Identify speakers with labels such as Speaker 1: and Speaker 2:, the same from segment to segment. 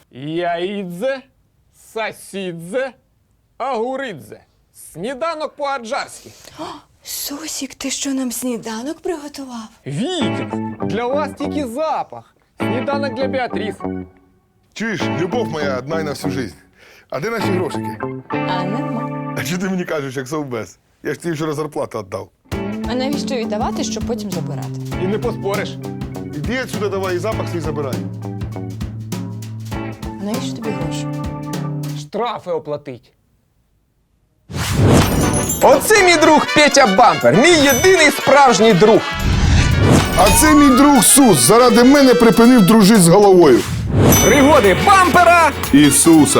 Speaker 1: Яїдзе, сасідзе, агуридзе. Сніданок по-аджарськи.
Speaker 2: Сусік, ти що, нам сніданок приготував?
Speaker 1: Вітя, для вас тільки запах. Сніданок для Біатріс.
Speaker 3: Чуєш, любов моя одна й на всю жизнь. А де наші грошики?
Speaker 2: А нема.
Speaker 3: А що ти мені кажеш, як совбез? Я ж тобі вчора зарплату віддав.
Speaker 2: А навіщо віддавати, щоб потім забирати?
Speaker 1: І не поспориш.
Speaker 3: Іди отсюди давай і запах свій забирай.
Speaker 2: А навіщо тобі гроші?
Speaker 1: Штрафи оплатить. Оце мій друг Петя Бампер, мій єдиний справжній друг.
Speaker 3: А це мій друг Сус заради мене припинив дружити з головою.
Speaker 1: Пригоди Бампера!
Speaker 3: Ісуса.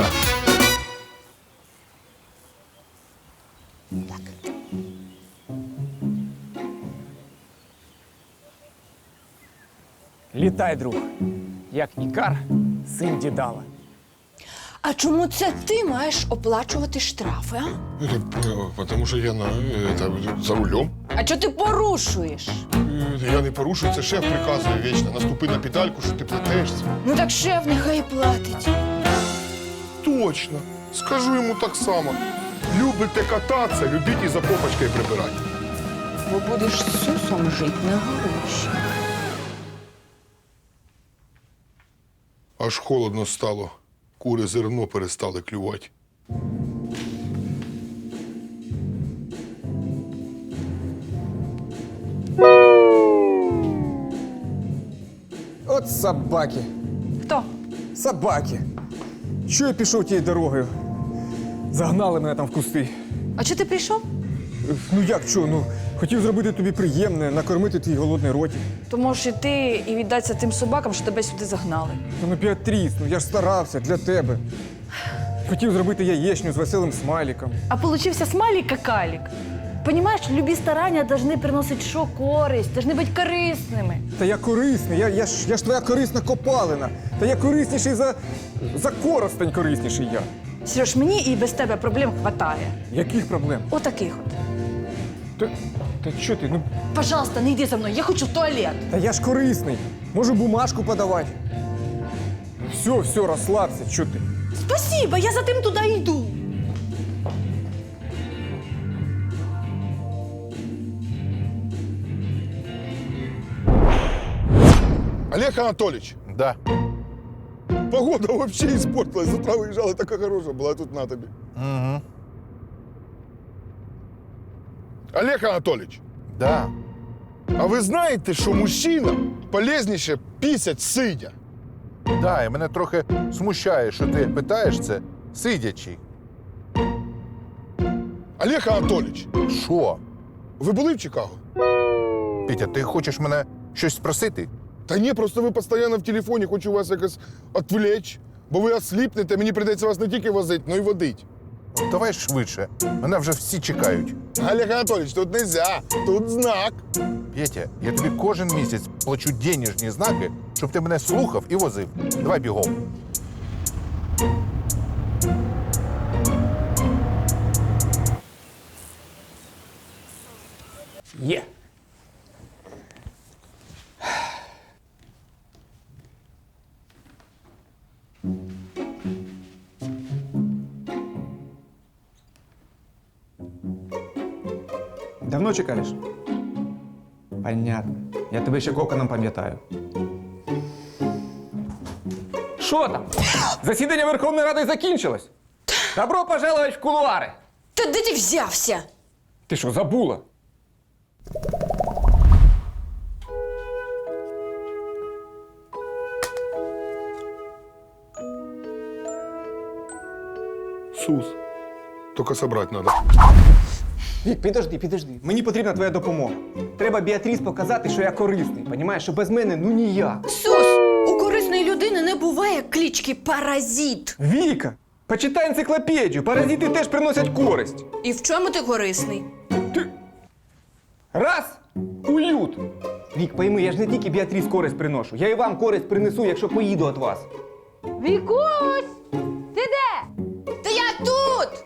Speaker 1: Літай, друг, як Ікар, син Дідала.
Speaker 2: А чому це ти маєш оплачувати штрафи, а?
Speaker 3: Тому що я за рулем.
Speaker 2: А чого ти порушуєш?
Speaker 3: Я не порушую, це шеф приказує вічно. Наступи на педальку, що ти платишся.
Speaker 2: Ну так шеф нехай платить.
Speaker 3: Точно. Скажу йому так само. Любите кататися, любіть і за попочкою прибирати.
Speaker 2: Бо будеш з Сусом жити на гроші.
Speaker 3: Аж холодно стало. Кури зерно перестали клювати.
Speaker 1: От собаки.
Speaker 2: Хто?
Speaker 1: Собаки. Що я пішов тією дорогою? Загнали мене там в кусти.
Speaker 2: А чого ти прийшов?
Speaker 1: Ну як що? Ну, хотів зробити тобі приємне, накормити твій голодний ротик.
Speaker 2: То можеш іти і віддатися тим собакам, що тебе сюди загнали.
Speaker 1: Ну, Біатріс, ну я ж старався для тебе. Хотів зробити яєчню з веселим смайликом.
Speaker 4: А получился смайлик-какалик. Понимаешь, любі старання должны приносить що? Користь, должны бути корисними.
Speaker 1: Та я корисний, я ж твоя корисна копалина. Та я корисніший за коростень корисніший я.
Speaker 4: Сереж, мені і без тебе проблем хватає.
Speaker 1: Яких проблем?
Speaker 4: Отаких от.
Speaker 1: Та що ти? Ну,
Speaker 4: Пожалуйста, не йди за мною, я хочу в туалет.
Speaker 1: та я ж корисний. Можу бумажку подавати. Все, розслабся, що ти?
Speaker 4: Спасибо, я за тим туди йду.
Speaker 3: Олег Анатольевич,
Speaker 5: Да.
Speaker 3: погода вообще испортилась. З утра виїжджали, така хороша була, а тут на тобі.
Speaker 5: Угу.
Speaker 3: Олег Анатольевич,
Speaker 5: Да.
Speaker 3: а ви знаєте, що мужчина полезніше пісять сидя?
Speaker 5: Да, і мене трохи смущає, що ти питаєш це сидячи.
Speaker 3: Олег Анатольевич,
Speaker 5: Що?
Speaker 3: ви були в Чикаго?
Speaker 5: Петя, ти хочеш мене щось спросити?
Speaker 3: Та ні, просто ви постійно в телефоні, хочу вас якось відвлечь, бо ви осліпнете, мені прийдеться вас не тільки возити, але й водити.
Speaker 5: Давай швидше. Мене вже всі чекають.
Speaker 3: Олег Анатольевич, тут нельзя, тут знак.
Speaker 5: Петя, я тобі кожен місяць плачу денежні знаки, щоб ти мене слухав і возив. Давай бігом.
Speaker 1: Є.
Speaker 6: Давно чекаєш? Понятно. Я тебе ще коконом пам'ятаю.
Speaker 1: Що там? Засідання Верховної Ради закінчилось. Добро пожаловать в кулуари.
Speaker 2: Та де ти взявся?
Speaker 1: Ти що, забула?
Speaker 3: Сус, тільки собрати треба.
Speaker 6: Вік, підожди. Мені потрібна твоя допомога. Треба Біатріс показати, що я корисний. Понімаєш, що без мене ну ніяк.
Speaker 2: Сус, у корисної людини не буває клички Паразит.
Speaker 6: Віка, почитай енциклопедію. Паразити теж приносять користь.
Speaker 2: І в чому ти корисний?
Speaker 1: Раз – уют.
Speaker 6: Вік, пойми, я ж не тільки Біатріс користь приношу. Я і вам користь принесу, якщо поїду від вас.
Speaker 4: Вікусь! Ти де?
Speaker 2: Та я тут!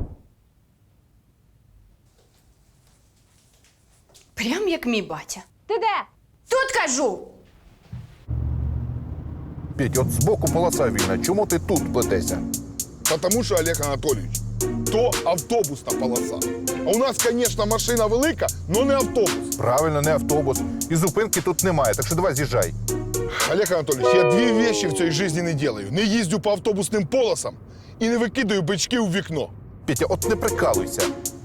Speaker 2: Прям як мій батя.
Speaker 4: Ти де?
Speaker 2: Тут кажу!
Speaker 5: Петь, от збоку полоса вільна. Чому ти тут плетешся?
Speaker 3: Потому що, Олег Анатолійович, то автобусна полоса. А у нас, звісно, машина велика, але не автобус.
Speaker 5: Правильно, не автобус. І зупинки тут немає, так що давай з'їжджай.
Speaker 3: Олег Анатольевич, я дві вещи в цій житті не делаю. Не їздю по автобусним полосам і не викидаю бички у вікно.
Speaker 5: Петя, от не прикалуйся.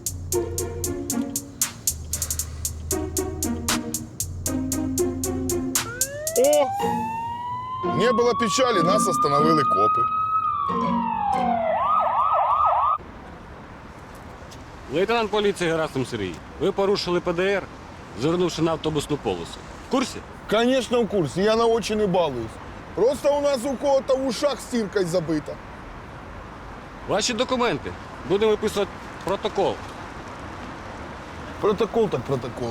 Speaker 3: О! Не було печалі, нас остановили копи.
Speaker 7: Лейтенант поліції Герасим Сергій, ви порушили ПДР, звернувши на автобусну полосу. В курсі?
Speaker 3: Конечно, в курсі, я на очі не балуюсь. Просто у нас у кого-то в ушах стіркою забита.
Speaker 7: Ваші документи. Будемо виписувати протокол.
Speaker 3: Протокол так протокол.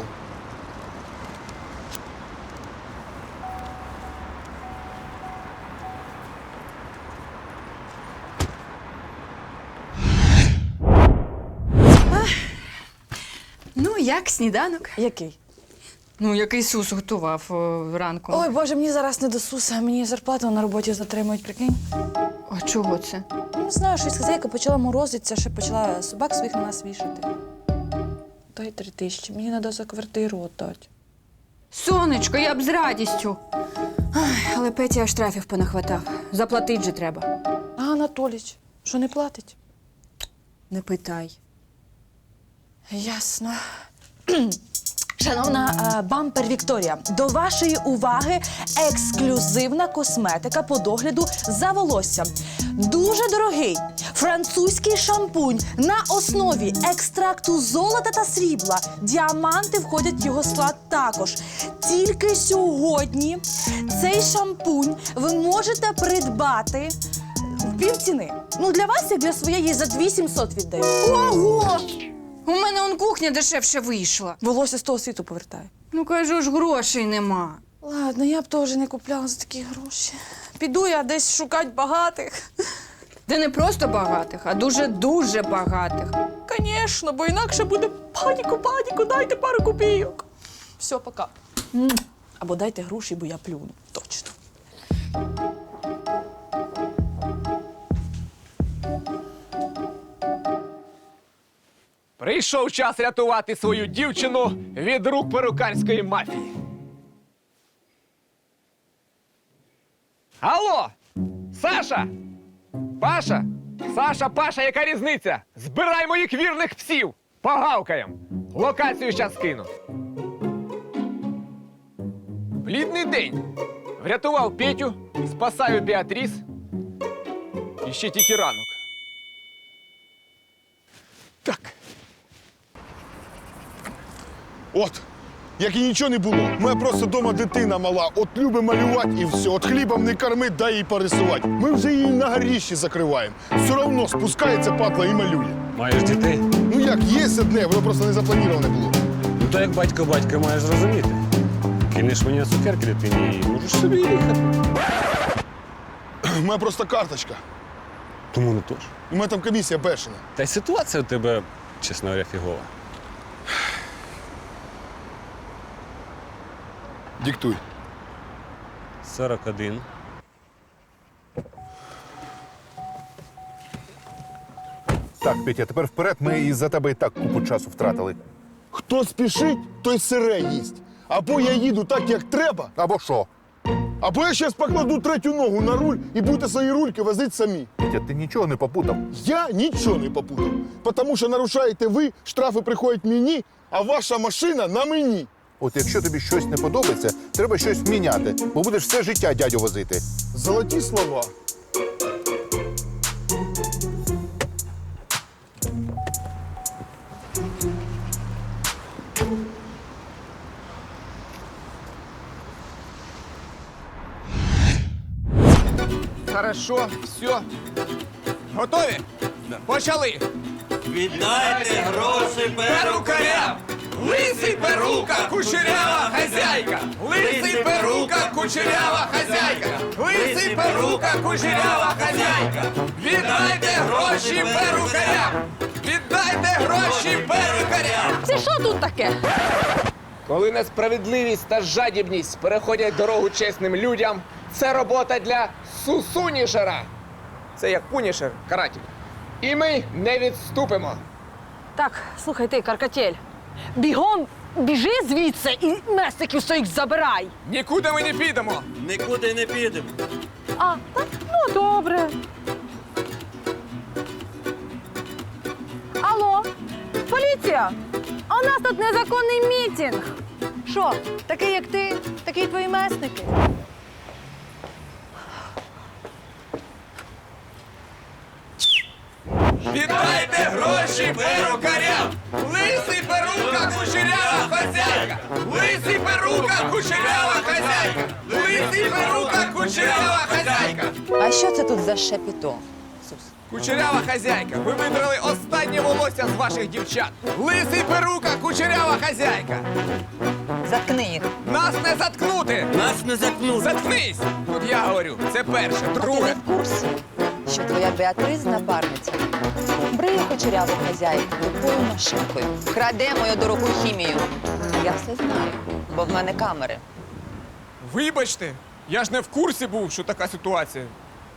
Speaker 2: Ну, як сніданок?
Speaker 4: Який?
Speaker 2: Ну, який Сус готував ранком.
Speaker 4: Ой, Боже, мені зараз не до суса, мені зарплату на роботі затримують, прикинь.
Speaker 2: А чого це?
Speaker 4: Не знаю, щось хазяйка почала морозитися, ще почала собак своїх на нас вішати. Дай 3000, мені треба за квартиру віддати.
Speaker 2: Сонечко, я б з радістю. Ай, але Петя штрафів понахватав. Заплатить же треба.
Speaker 4: А Анатоліч, що не платить?
Speaker 2: Не питай.
Speaker 4: Ясно. Шановна бампер Вікторія, до вашої уваги ексклюзивна косметика по догляду за волоссям. Дуже дорогий французький шампунь на основі екстракту золота та срібла. Діаманти входять в його склад також. Тільки сьогодні цей шампунь ви можете придбати в півціни. Ну, для вас, як для своєї, за 2700 віддаю.
Speaker 2: Ого! У мене он кухня дешевше вийшла.
Speaker 4: Волосся з того світу повертає.
Speaker 2: Ну, кажу ж, грошей нема.
Speaker 4: Ладно, я б теж не купляла за такі гроші. Піду я десь шукати багатих.
Speaker 2: Де не просто багатих, а дуже-дуже багатих.
Speaker 4: Звісно, бо інакше буде паніку, дайте пару копійок. Все, пока. Або дайте гроші, бо я плюну. Точно.
Speaker 6: Прийшов час рятувати свою дівчину від рук перукарської мафії. Алло! Саша! Паша! Саша, Паша, яка різниця? Збирай моїх вірних псів! Погавкаєм! Локацію щас кину. Плідний день. Врятував Петю, спасаю Біатріс. І ще тільки ранок. Так.
Speaker 3: От, як і нічого не було. У мене просто вдома дитина мала. От любить малювати і все. От хлібом не кормить, дай їй порисувати. Ми вже її на горіщі закриваємо. Все одно спускається падла і малює.
Speaker 7: Маєш дітей?
Speaker 3: Ну як, є одне, воно просто не заплановане було.
Speaker 7: Ну то як батько маєш зрозуміти. Кинеш мені на цукерки дитині і можеш собі їхати.
Speaker 3: У мене просто карточка.
Speaker 7: Тому не тож.
Speaker 3: У мене там комісія бешена.
Speaker 7: Та й ситуація у тебе, чесно говоря, фігова.
Speaker 3: Диктуй.
Speaker 7: 41.
Speaker 5: Так, Петя, тепер вперед, ми із-за тебе і так купу часу втратили.
Speaker 3: Хто спішить, той сире їсть. Або я їду так, як треба,
Speaker 5: Або що?
Speaker 3: або я зараз покладу третю ногу на руль і будете свої рульки возити самі.
Speaker 5: Петя, ти нічого не попутав.
Speaker 3: Я нічого не попутав. Тому що нарушаєте ви, штрафи приходять мені, а ваша машина на мені.
Speaker 5: От якщо тобі щось не подобається, треба щось міняти, бо будеш все життя дядю возити.
Speaker 3: Золоті слова.
Speaker 6: Хорошо, все. Готові? Почали.
Speaker 8: Віддайте гроші
Speaker 6: Перукарям! Лисий перука, кучерява хазяйка! Лисий перука, кучерява хазяйка! Лисий перука, кучерява хазяйка! Віддайте гроші перукарям! Віддайте гроші перукарям!
Speaker 4: Це що тут таке?
Speaker 6: Коли несправедливість та жадібність переходять дорогу чесним людям, Це робота для Сусунішера. Це як Пунішер, каратель. І ми не відступимо.
Speaker 4: Так, слухай ти, Каркатель. Бігом біжи звідси і месників своїх забирай.
Speaker 6: Нікуди ми не підемо.
Speaker 8: Нікуди не підемо.
Speaker 4: А, так, ну добре. Алло, поліція! А у нас тут незаконний мітинг. Що, такий як ти, такі твої месники?
Speaker 6: Віддайте гроші перукарям! Лисий перука, кучерява хазяйка! Лисий перука, кучерява хазяйка! Лисий перука, кучерява хазяйка!
Speaker 9: А що це тут за шепіто?
Speaker 6: Кучерява хазяйка, ви видрали останнє волосся з ваших дівчат! Лисий перука, кучерява хазяйка!
Speaker 9: Заткни їх.
Speaker 6: Нас не заткнути!
Speaker 8: Нас не заткнуть.
Speaker 6: Заткнись! Тут я говорю, це перше.
Speaker 9: Ти не
Speaker 6: Друге.
Speaker 9: в курсі, що твоя Беатрис напарниця бриє кучеряву хазяйку тупою машинкою, краде мою дорогу хімію. Я все знаю, бо в мене камери.
Speaker 6: Вибачте, я ж не в курсі був, що така ситуація.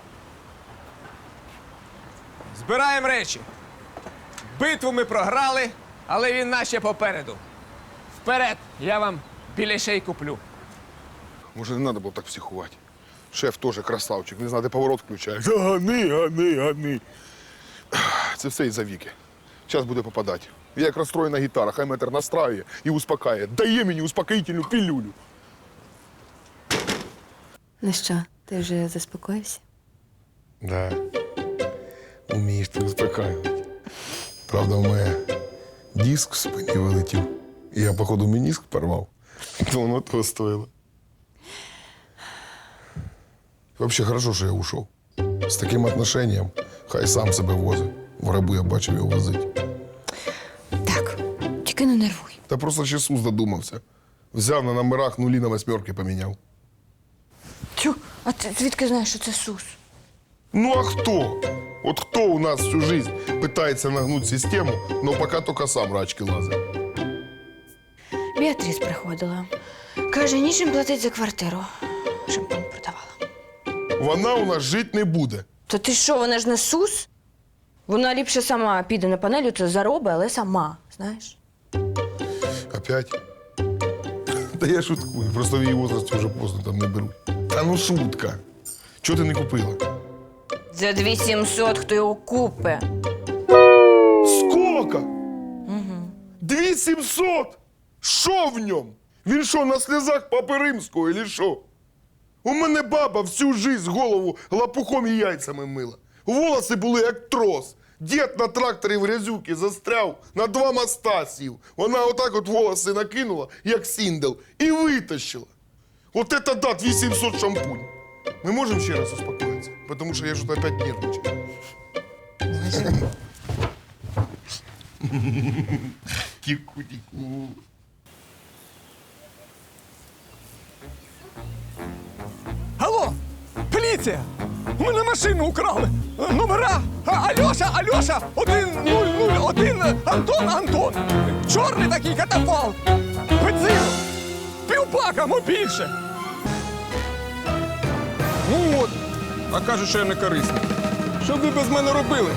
Speaker 6: Збираємо речі. Битву ми програли, але війна ще попереду. Вперед, я вам білішей куплю.
Speaker 3: Може, не треба було так психувати. Шеф теж красавчик, не знаю, де поворот включає. Гани. Це все із-за Віки. Час буде попадати. Я як розстроєна гітара, хай метр настраює і успокає. Дає мені успокоїтельну пілюлю.
Speaker 10: Ну що, ти вже заспокоївся?
Speaker 3: Да. Умієш ти успокаювати. Правда, у мене диск в спині вилетів. І я, походу, мініск порвав. То воно того стоїло. Вообще хорошо, що я ушов. З таким отношенням хай сам себе возить. В рабу я бачив його возить.
Speaker 10: Так, тільки не нервуй.
Speaker 3: Та просто ще Сус додумався. Взяв на номерах нулі на восьмерки поміняв.
Speaker 10: Тю, а ти звідки знаєш, що це Сус?
Speaker 3: Ну а хто? От хто у нас всю жизнь питається нагнути систему, но поки тільки сам рачки лазить.
Speaker 10: Біатріс приходила. Каже, нічим платить за квартиру. Шампунь продавала.
Speaker 3: Вона у нас жити не буде.
Speaker 10: То ти що, вона ж не Сус? Вона ліпше сама піде на панелю, це заробить, але сама, знаєш?
Speaker 3: Опять? Та я шуткую, просто в її возрасті вже поздно там не беруть. Та ну шутка. Чого ти не купила?
Speaker 10: За 2700 хто його купе?
Speaker 3: Сколько? 2700? Що в ньому? Він що, на сльозах Папи Римського, или що? У мене баба всю жизнь голову лапухом і яйцями мила. Волоси були як трос. Дід на тракторі в грязюки застряв, на 2 моста сів. Вона отак от волоси накинула, як сіндел, і витащила. От это да, 2700 шампунь. Ми можемо ще раз успокоїтися? Тому що я ж опять нервничаю. Тіку-тіку.
Speaker 6: Алло! Поліція! У мене машину украли! Номера! Альоша! 1001 Антон! Чорний такий катафалк! Бензину! Півбака, мо більше! Ну от, а кажуть, що я не корисний. Що б ви без мене робили?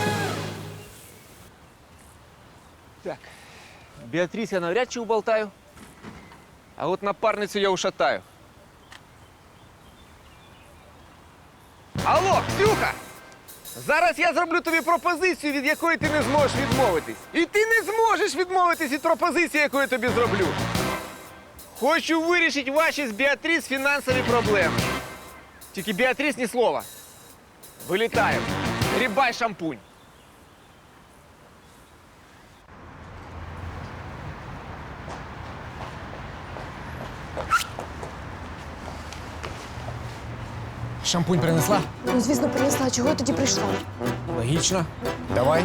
Speaker 6: Так, Біатріс я навряд чи уболтаю, а от напарницю я ушатаю. Алло, Ксюха! Зараз я зроблю тобі пропозицію, від якої ти не зможеш відмовитись. І ти не зможеш відмовитись від пропозиції, яку я тобі зроблю. Хочу вирішити ваші з Біатріс фінансові проблеми. Тільки Біатріс ні слова. Вилітаємо. Грібай шампунь. Шампунь принесла?
Speaker 10: Ну, звісно, принесла. Чого я тоді прийшла?
Speaker 6: Логічно. Давай.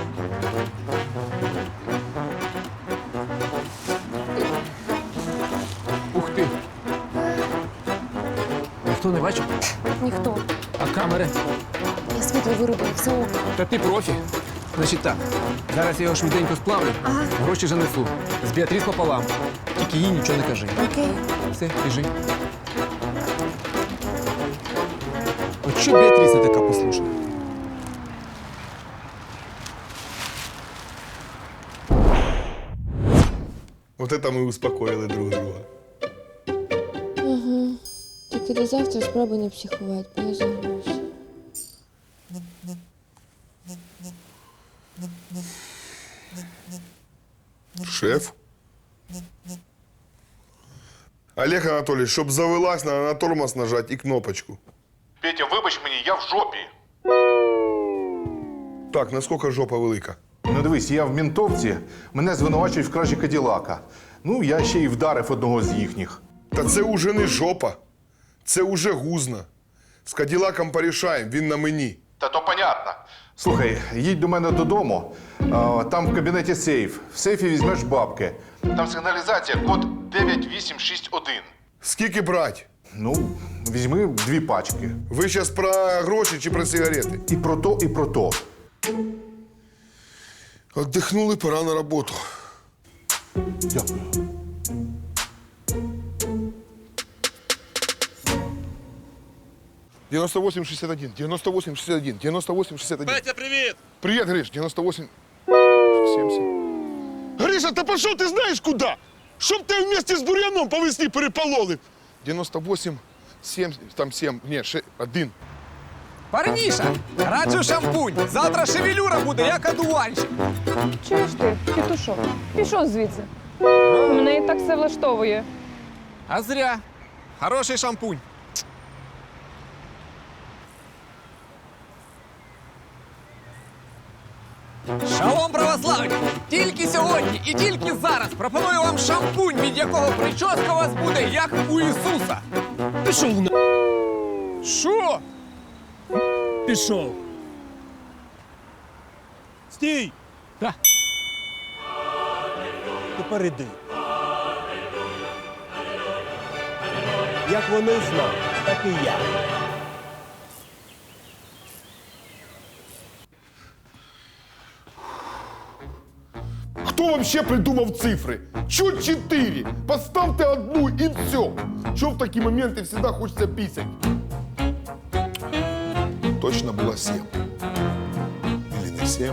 Speaker 6: Ух ти. Ніхто не бачив?
Speaker 10: Ніхто.
Speaker 6: А камери?
Speaker 10: Я світло вирубила, все ок.
Speaker 6: Та ти профі. Значить так, зараз я його швиденько сплавлю, гроші занесу. З Біатріс пополам. Тільки їй нічого не кажи.
Speaker 10: Окей.
Speaker 6: Все, біжи.
Speaker 1: Що Беатріса така послушна?
Speaker 3: Вот это мы успокоили друг друга.
Speaker 10: Ага. Тільки до завтра спробуй не психувати, бо я загнуся.
Speaker 3: Шеф? Олег Анатольевич, щоб завелась, надо на тормоз нажать і кнопочку.
Speaker 5: Петя, вибач мені, я в жопі.
Speaker 3: Так, наскільки жопа велика?
Speaker 5: Ну дивись, я в ментовці, мене звинувачують в кражі Каділака. Ну, я ще й вдарив одного з їхніх.
Speaker 3: Та це уже не жопа. Це уже гузна. З Каділаком порішаємо, він на мені.
Speaker 5: Та то понятно. Слухай, їдь до мене додому, там в кабінеті сейф. В сейфі візьмеш бабки. Там сигналізація, код 9861.
Speaker 3: Скільки брать?
Speaker 5: Ну, візьми 2 пачки.
Speaker 3: Ви зараз про гроші чи про сигарети?
Speaker 5: І про то, і про то.
Speaker 3: Отдихнули, пора на роботу.
Speaker 5: Дякую.
Speaker 3: – 9861, 9861, 9861.
Speaker 8: Петя, привіт!
Speaker 3: Привет, Гриш, 98... 70. Гриша, та пішов ти знаєш куди? Щоб ти вместе з бур'яном по весні перепололи. 98, 7, там 7, ні, 1.
Speaker 1: Парніша, раджу шампунь. Завтра шевелюра буде, як одуванчик.
Speaker 11: Чуєш ти, петушок? Пішов звідси. Мене і так все влаштовує.
Speaker 1: А зря. Хороший шампунь. Шалом, православні! Тільки сьогодні і тільки зараз пропоную вам шампунь, від якого прическа у вас буде, як у Ісуса. Пішов на... Що?
Speaker 8: Пішов. Стій!
Speaker 1: Да.
Speaker 8: Тепер іди. Як вони знали, так і я.
Speaker 3: Хто вообще придумав цифри? Чуть 4. Поставте одну і все. Що в такі моменти завжди хочеться пісять? Точно було 7. Или не 7.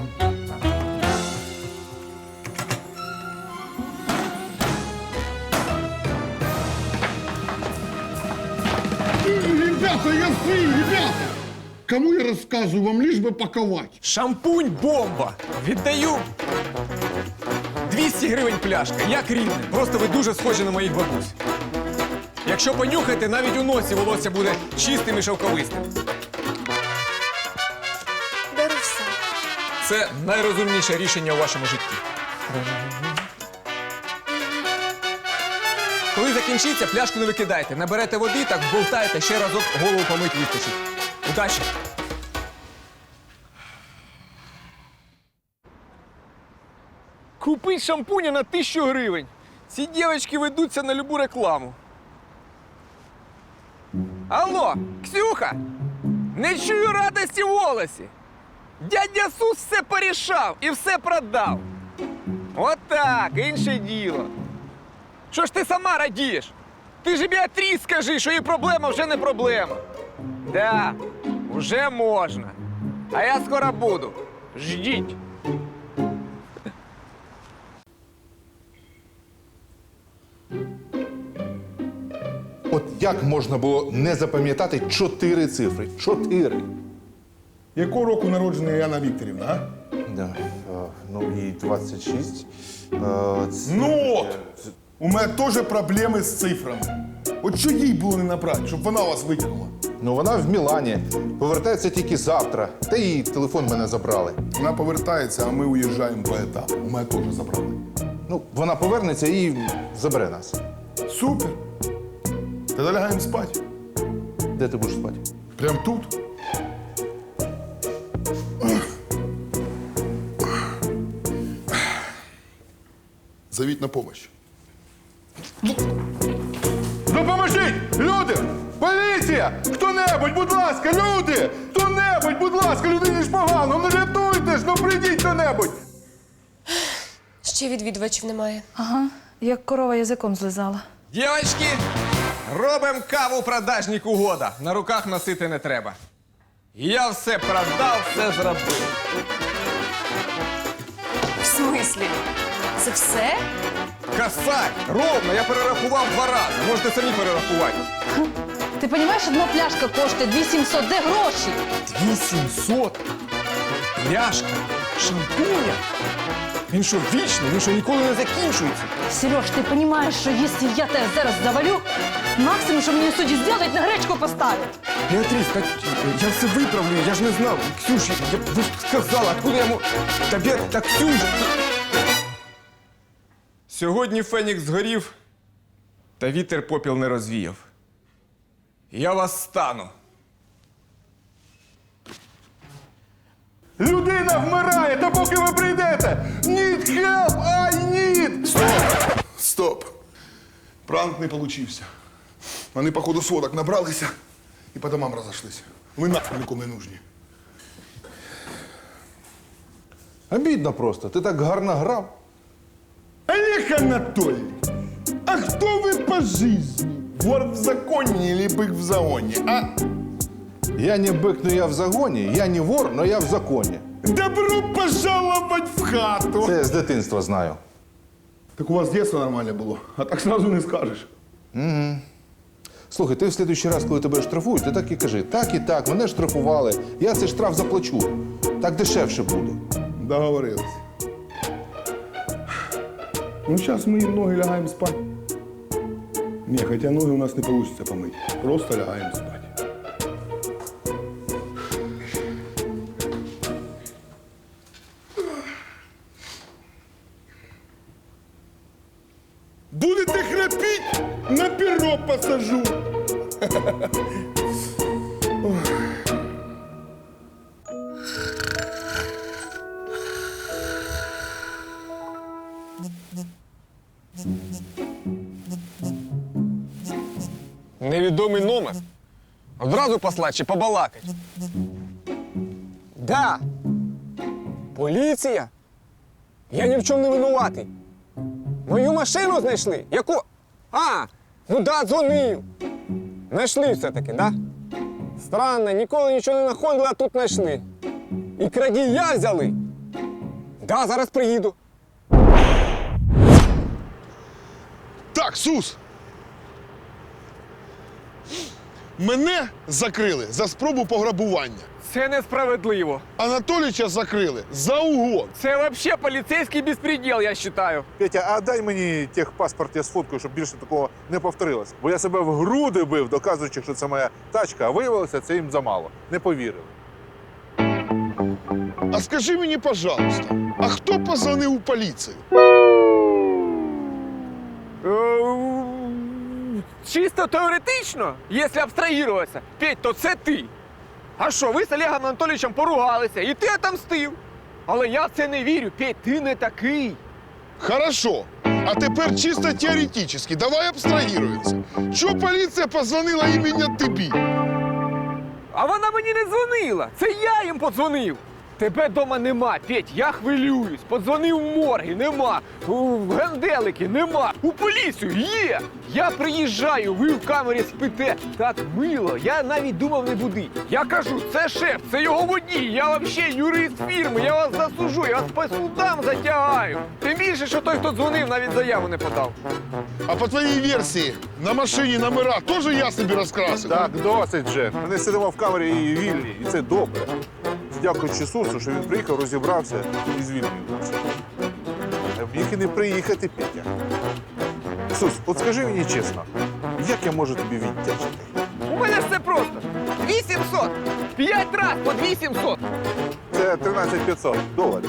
Speaker 3: Ребята, я свій, ребята! Кому я розказую, вам лиш би паковать.
Speaker 1: Шампунь бомба! Віддаю 200 гривень пляшка, як рідне. Просто ви дуже схожі на моїх бабусь. Якщо понюхаєте, навіть у носі волосся буде чистим і шовковистим.
Speaker 10: Беру все.
Speaker 1: Це найрозумніше рішення у вашому житті. Коли закінчиться, пляшку не викидайте. Наберете води, так вболтаєте, ще разок голову помить вистачить. Удачі! Купить шампуня на 1000 гривень. Ці дівчатки ведуться на любу рекламу. Алло, Ксюха! Не чую радості в голосі. Дядя Сус все порішав і все продав. Отак, інше діло. Що ж ти сама радієш? Ти ж Беатріс скажи, що її проблема вже не проблема. Да, вже можна. А я скоро буду. Ждіть.
Speaker 5: От як можна було не запам'ятати 4 цифри? 4.
Speaker 3: Якого року народжена Яна Вікторівна, а?
Speaker 5: Да. Ну і 26.
Speaker 3: Ну от! У мене теж проблеми з цифрами. От що їй було не набрати, щоб вона вас витягнула?
Speaker 5: Ну вона в Мілані. Повертається тільки завтра. Та і телефон мене забрали.
Speaker 3: Вона повертається, а ми уїжджаємо по етапу. У мене теж забрали.
Speaker 5: Ну, вона повернеться і забере нас.
Speaker 3: Супер! Тоді лягаємо спати.
Speaker 5: Де ти будеш спати?
Speaker 3: Прям тут. Зовіть на помощь.
Speaker 5: Допоможіть! Люди! Поліція! Хто-небудь, будь ласка, люди! Хто-небудь, будь ласка, людині ж погано! Ну рятуйте ж, ну прийдіть хто-небудь!
Speaker 10: Ще відвідувачів немає.
Speaker 4: Ага, як корова язиком злизала.
Speaker 1: Дівчатки, робимо каву продажник угода. На руках носити не треба. Я все продав, все зробив.
Speaker 4: В смислі? Це все?
Speaker 1: Косарь! Ровно, я перерахував 2 рази. Можете самі перерахувати.
Speaker 4: Ти розумієш, одна пляшка коштує 2700, де гроші?
Speaker 1: 2700? Пляшка? Шампуня? Він що, вічний? Він що, ніколи не закінчується?
Speaker 4: Сереж, ти розумієш, що якщо я тебе зараз завалю, максимум, що мені судді зроблять, на гречку поставлять.
Speaker 1: Беатрис, так я все виправлю, я ж не знав. Ксюш, ви ж сказала, откуда я можу... Так, Ксюш... Сьогодні Фенікс згорів, та вітер попіл не розвіяв. Я вас стану.
Speaker 5: Людина вмирає, та поки ви прийдете! Need help, I need!
Speaker 3: Стоп! Пранк не получився. Вони, походу, сводок набралися і по домам розійшлися. Ви нахуй нікому не нужні.
Speaker 5: Обідно просто, ти так гарно грав.
Speaker 3: Олег Анатольевич, а хто ви по жизни? Вор в законі или бык в загоні, а?
Speaker 5: Я не бик, но я в загоні, я не вор, но я в законі.
Speaker 3: Добро пожаловать в хату!
Speaker 5: Це я з дитинства знаю.
Speaker 3: Так у вас дитинство нормальне було, а так сразу не скажеш.
Speaker 5: Слухай, ти в слідуючий раз, коли тебе штрафують, ти так і кажи. Так і так, мене штрафували, я цей штраф заплачу. Так дешевше буде.
Speaker 3: Договорились. Ну, зараз ми їм ноги лягаємо спати. Ні, хоча ноги у нас не вийде помити. Просто лягаємо спати. Будете храпіть, на перо посажу.
Speaker 1: Невідомий номер. Одразу послати чи побалакать? Да. Поліція? Я ні в чому не винуватий. Мою машину знайшли? Яку? А, ну да, дзвонив. Знайшли все-таки, да? Странно, ніколи нічого не знаходили, а тут знайшли. І крадія взяли. Да, зараз приїду.
Speaker 3: Так, Сус! Мене закрили за спробу пограбування.
Speaker 1: Це несправедливо.
Speaker 3: Анатоліча закрили за угон.
Speaker 1: Це взагалі поліцейський безпреділ, я вважаю.
Speaker 5: Петя, а дай мені техпаспорт, я сфоткаю, щоб більше такого не повторилось. Бо я себе в груди бив, доказуючи, що це моя тачка, а виявилося, це їм замало. Не повірили.
Speaker 3: А скажи мені, пожалуйста, а хто позвонив у поліцію?
Speaker 1: Чисто теоретично, якщо абстрагуватися, Петь, то це ти. А що, ви з Олегом Анатолійовичем поругалися, і ти отомстив. Але я в це не вірю, Петь, ти не такий.
Speaker 3: Хорошо. А тепер чисто теоретично, давай абстрагіруємося. Чого поліція позвонила іменно тобі?
Speaker 1: А вона мені не дзвонила, це я їм подзвонив. Тебе вдома нема, Петь, я хвилююсь. Подзвонив в морги, нема. У генделики нема. У поліцію є. Я приїжджаю, ви в камері спите. Так мило, я навіть думав не будить. Я кажу, це шеф, це його водій. Я взагалі юрист фірми, я вас засужу, я вас по судам затягаю. Тим більше, що той, хто дзвонив, навіть заяву не подав.
Speaker 3: А по твоїй версії, на машині номера теж я собі розкрасив?
Speaker 5: Так, досить же. Ми сидимо в камері і вільні, і це добре. Дякуючи Сусу, що він приїхав, розібрався і звільнив нас. Міг і не приїхати, Петя. Сус, от скажи мені чесно, як я можу тобі віддячити?
Speaker 1: У мене все просто. 2700. 5 раз по 2700.
Speaker 5: Це 13500 доларів.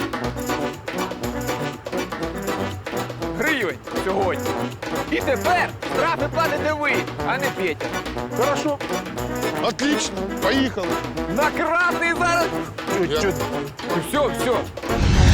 Speaker 1: Гривень сьогодні. І тепер штрафи платите ви, а не Петя.
Speaker 5: Хорошо.
Speaker 3: Отлично, поїхали.
Speaker 1: На красний зараз.
Speaker 5: Чуть-чуть.
Speaker 1: Все.